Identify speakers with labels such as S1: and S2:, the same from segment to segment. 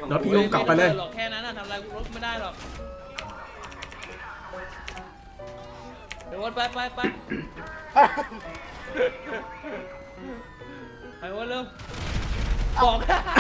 S1: รถพี่อุ้มกลับไปเลย
S2: หรอกแค่นั้นทำอะไรรถไม่ได้หรอกเดี๋ยววนไปไปวนเร็วบอก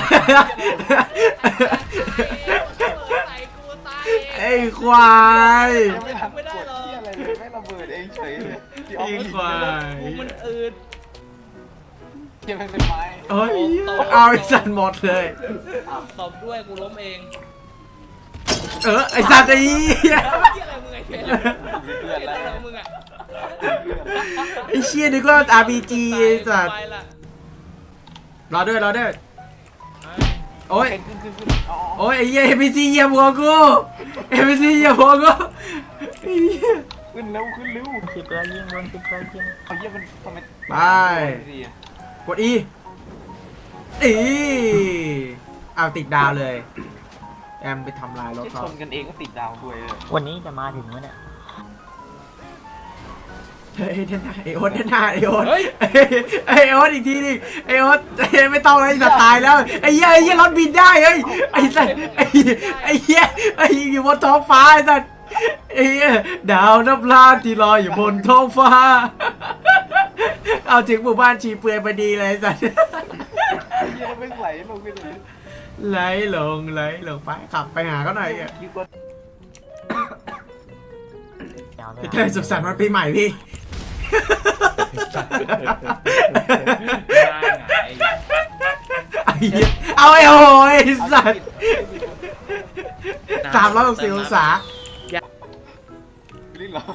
S2: ใส่กูตาย
S1: ไอ้ควาย
S3: ไม่ทำไม่ได้หรอกอะไรเลยไม่ระเบิดเองเฉยเลย
S1: ไอ้ควาย
S2: มันอืด
S3: เกี่ยวเป็นไม้
S1: เฮ้ยเอาไอ้สัตว์หมดเลย
S2: ตบด้วยกูล้มเอง
S1: ไอ้สัตว์ไอ้เหี้ย
S2: อะไรมึงไอ้เหี้ยอะไรมึงอ่ะ
S1: ไอ้เชี่ยนึกว่า RPG ไอ้สัตว์รอด้วยโอ้ย
S3: ขึ้น
S1: โอ้ยไอ้เหี้ย NPC เหยียบหัวกู NPC เหยียบหัวกูไอ้เหี้ย
S3: ขึ้นเร็ว
S4: 10 แล้วยิงลง10 แล้วยิง
S3: เอาเยี่ยมันทำไม
S1: ไปกด E เอาติดดาวเลยแอมไปทำลายรถ
S3: ที่ช
S1: เขา
S3: นกันเองก็ติดดาวด้วยเลย
S4: วันนี้จะมาถึงวะเนี่ย
S1: เฮ้ยเดนหน้าไอโอ๊ตเดนหน้าไอโอ๊ตไอโอ๊ตอีกทีนึงไอโอ๊ตไม่ต้องเลยจะตายแล้วไอ้เหี้ยรถบินได้เฮ้ยไอ้สัตว์ไอ้เหี้ยอยู่บนท้องฟ้าไอ้สัตว์ไอ้เหี้ยดาวนับล้านที่ลอยอยู่บนท้องฟ้าเอาถึงหมู่บ้านชีเปลือยพอดีเลยไอ้สัตว์
S3: เยี่ยไม่ไหลลงไปเลย
S1: ไหลลงไปขับไปหาเขาหน่อยอ่ะ
S3: ยิ่งกว่า
S4: ยาวเลย
S1: พี่เต้สุขสันต์วันปีใหม่พี่ไอ้เหี้ยเอาไอ้โอ้ยสัตว์360 องศา
S3: ลิ้นเหรอ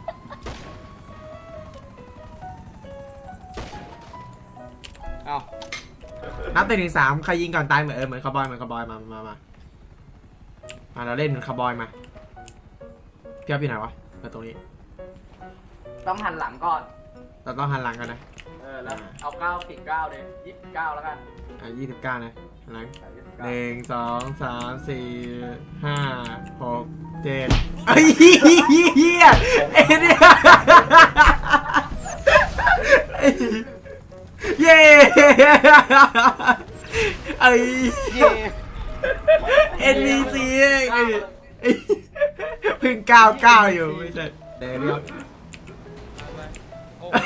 S3: เอา
S1: นับแต่1 ถึง 3ใครยิงก่อนตายเหมือนคาร์บอยมาเราเล่นเหมือนคาร์บอยมาพี่อ๊อฟอยู่ไหนวะมาตรงนี้
S5: ต้องหันหลังก่อน
S1: เราต้องหันหลังกันนะ
S5: แล้วเอา9 เลย29แล้วกัน
S1: 29นะหันหลัง
S5: 29
S1: 1 2 3 4 5 6 7ไอ้เหี้ยไอ้เนี่ยเย้ไอ้
S3: เย่
S1: NPC ไอ้เพิ่ง99อยู่ไม่ใช่เดี๋ยว
S2: โอ้โห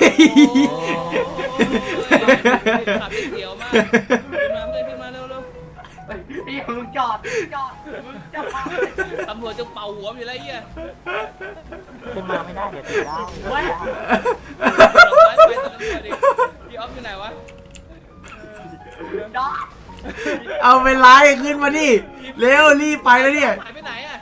S2: ขับเสียวมากขึ้นมาเร็ว
S5: พี่มึงจอดมึงจะมา
S2: ตำรวจจะเป่าหัวอยู่แล้วไอ้เหี้ย
S4: ขึ้นมาไม่ได้เดี๋ยวติดดาว
S5: เว้ย
S2: ไปตรงนั้นดิพี่ออฟอยู่ไหนวะ
S5: ดอก
S1: เอาไปไล่ขึ้นมาดิเร็วรีบไปแล้วเนี่ย
S2: หายไปไหนอ่ะ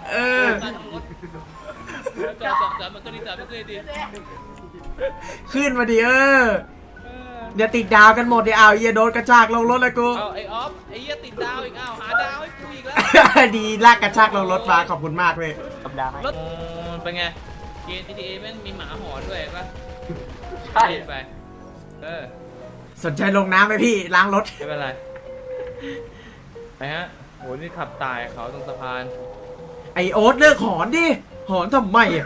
S2: จอดมันก็ดีดี
S1: ขึ้นมาดิเดี๋ยวติดดาวกันหมดเดี๋ยวเอาเหี้ยโดนกระชากลงรถเลยกู
S2: เอาไอ้ออฟไอ้เหี้ยติดดาวอีกอ้าวหาดาวให้กูอีกแล้ว
S1: ดีลากกระชากลงรถมาขอบคุณมากเลย
S4: กับดาวไหม
S2: รถเป็นไงเกม GTA แม่งมีหมาหอนด้วยป่ะ
S5: ใช่
S2: ไป
S1: สนใจลงน้ำไหมพี่ล้างรถ
S2: ไม่เป็นไรไปฮะโหนี่ขับตายเขาตรงสะพาน
S1: ไอโอ๊ตเลิกหอนดิหอนทำไมอ่ะ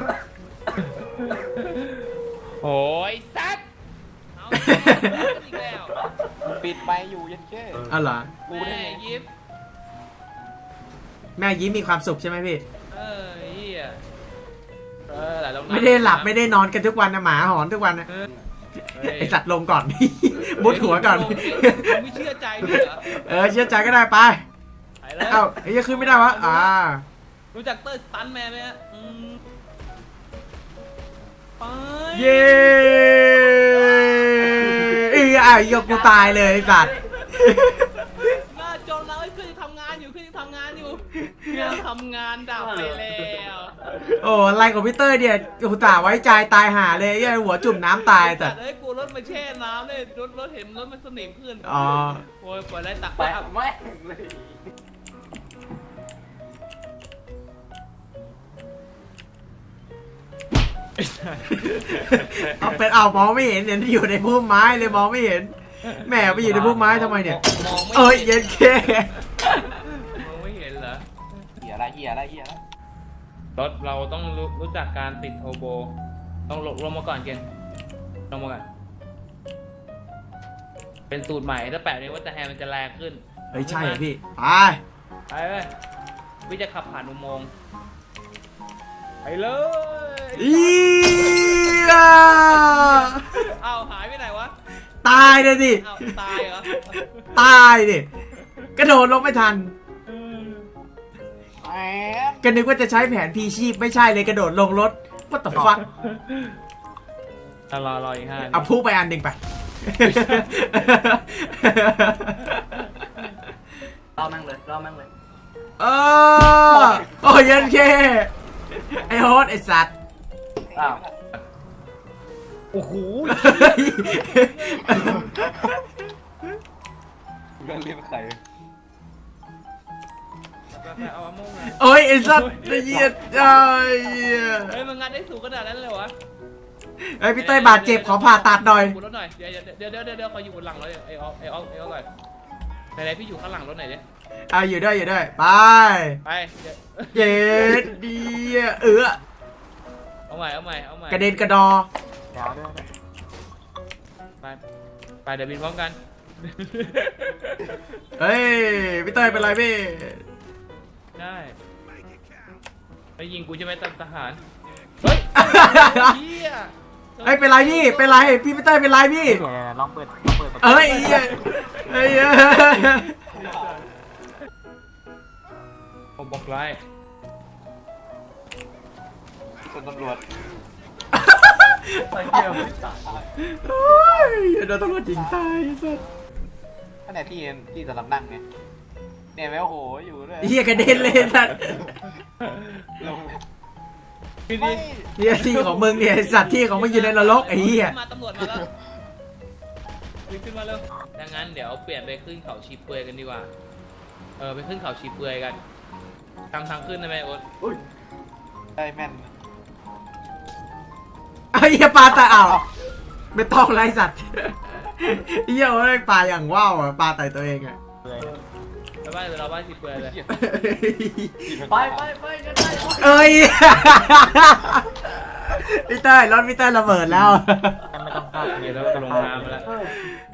S2: โอ้ยซัดเอาอีกแล้ว
S3: ปิดไปอยู่ยันแค่
S1: อ๋อเหรอ
S3: กูได้
S2: แม่
S3: ไง
S2: ยิบ
S1: แม่ยิ้มมีความสุขใช่ไหมพี่
S2: เฮียหลายรอบ
S1: ไม่ได้หลับไม่ได้นอนกันทุกวันนะหมาหอนทุกวันนะไอสัตว์ลงก่อน มุดหัวก่อน
S2: ไม่เชื่อใจด้วยเหรอ
S1: เชื่อใจก็ได้ไป
S2: ไปแล้ว
S1: เอ้าไอ้ยังขึ้นไม่ได้วะ
S2: รู้จักเตอร์สตันแมนไหมฮะไป
S1: เย้ยกกูตายเลยไอ้สัตว์
S2: หน้าจอเราไอ้เพื่อนทำงานอยู่เพื่อนทำงานดับไปแล้ว
S1: โอ้อะไรของพี่เต้ยเนี่ยกูตาไว้ใจตายหาเลยยัยหัวจุ่มน้ำตายแต่
S2: เอ้ยกูรถมาแช่น้ำเลยรถเห็นรถมันสนิมขึ้น
S1: อ๋อ
S2: โอ้ยปล่อยไรตัก
S5: ไป
S2: ไป
S5: แม่งเลย
S1: เอาเป็นเอามองไม่เห็นเนี่ยที่อยู่ในพุ่มไม้เลยมองไม่เห็นแหมไปอยู่ในพุ่มไม้ทำไมเนี่ย
S2: มองไม่
S1: เอ้ยเย็นแค่
S2: มองไม่เห็นเหรอ
S3: เหี้ยอะไร
S2: รถเราต้องรู้จักการติดโทโบต้องลงมาก่อนเกณฑ์ลงมาก่อนเป็นสูตรใหม่ถ้าแปะนี้ว่าจะแฮมันจะแรงขึ้น
S1: เฮ้ยใช่เหรอพี่ไป
S2: ไปเลยพี่จะขับผ่านอุโมงค์ไปเลย
S1: อีย
S2: เอาหายไปไหนวะ
S1: ตายเลยดิ
S2: เอาตายเหรอ
S1: ตายดิกระโดดลงไม่ทัน
S3: แหม
S1: ก็นึกว่าจะใช้แผนพีชีพไม่ใช่เลยกระโดดลงรถ what the fuck
S2: รออีก5
S1: เอาพุ่งไปอันหนึ่งไป
S5: รอแม่งเลยรอแม่งเลย
S1: เออโอ้ยยันเคไอโฮสไอสัตว์
S5: อ้าว
S2: โอ้โห
S3: เรื่องเรียกใคร
S2: ไปเอามะม่วงมา
S1: โอ้ยไอสัตว์ไอ้เหี้ยไอ้เหี้ย
S2: เฮ้ยมันงัดได้สูงขนาดนั้นเลยวะ
S1: ไอยพี่เต้ยบาดเจ็บขอผ่าตัดหน่อย
S2: บนรถหน่อยเดี๋ยวขออยู่บนหลังรถไอ้ออก่อนไหนพี่อยู่ข้างหลังรถหน่อยดิ
S1: เอาอยู่ด้วยไป
S2: ไป
S1: เย็ดดี
S2: เอาใหม่
S1: กระเด็นกระดอ
S4: ดาวด้วย
S2: ไปเดี๋ยวบินพร้อมกัน
S1: เฮ้ยพี่เต้ยเป็นไรพี่
S2: ได้ไปยิงกูจะไม่ตัดทหารเฮ้ยเฮีย
S1: เฮ้ยเป็นไรพี่เป็นไรพี่เต้ยเป็นไรพี่
S4: เดี๋ยวลองเปิดประตู
S1: เอ้ยไอ้เหี้ยไอ้เหี้ย
S2: ผมบอกไล่
S3: คนตำรวจ
S5: ไปเที่ยว
S1: โอ้ยโดนตำรวจยิงตายไอ้สัส
S3: อันไหนที่สำหรับนั่งไงเนี่ยแม่โอ้โหอยู่ด้วย
S1: ไอ้เหี้ยกระเด็นเลยไอ้สัส
S3: ลง
S2: พี่
S3: ไม่
S2: ดิ
S1: เหี้ยที่ของมึงเนี่ยไอ้สัตว์ที่ของมึงอยู่ในนรกไอ้เหี้ย
S2: มาตำรวจมาแล้วขึ้นมาเร็วดังนั้นเดี๋ยวเปลี่ยนไปขึ้นเขาชีเปลือยกันดีกว่าไปขึ้นเขาชีเปลือยกันทำทางขึ้นได้ไหมโอ๊ต
S5: อุ้ย
S3: ได้แม่น
S1: ไอ้เหี้ยปลาตายอ้าวไม่ต้องไรสัตว์ไอ้เหี้ยว่าปลาอย่างว่าวอ่ะปลาไต่ตัวเองอ่ะ
S4: เลย
S2: ไปบ้านเราบ้านชีเปลือยเลย
S5: ไปกันได้
S1: เอ้ยพี่เต้ยรถพี่เต้ยระเบิดแล้ว
S4: ไม่ต้องเข้า
S2: เดี๋ยวเราลงน้ำมาแล้ว
S5: เออ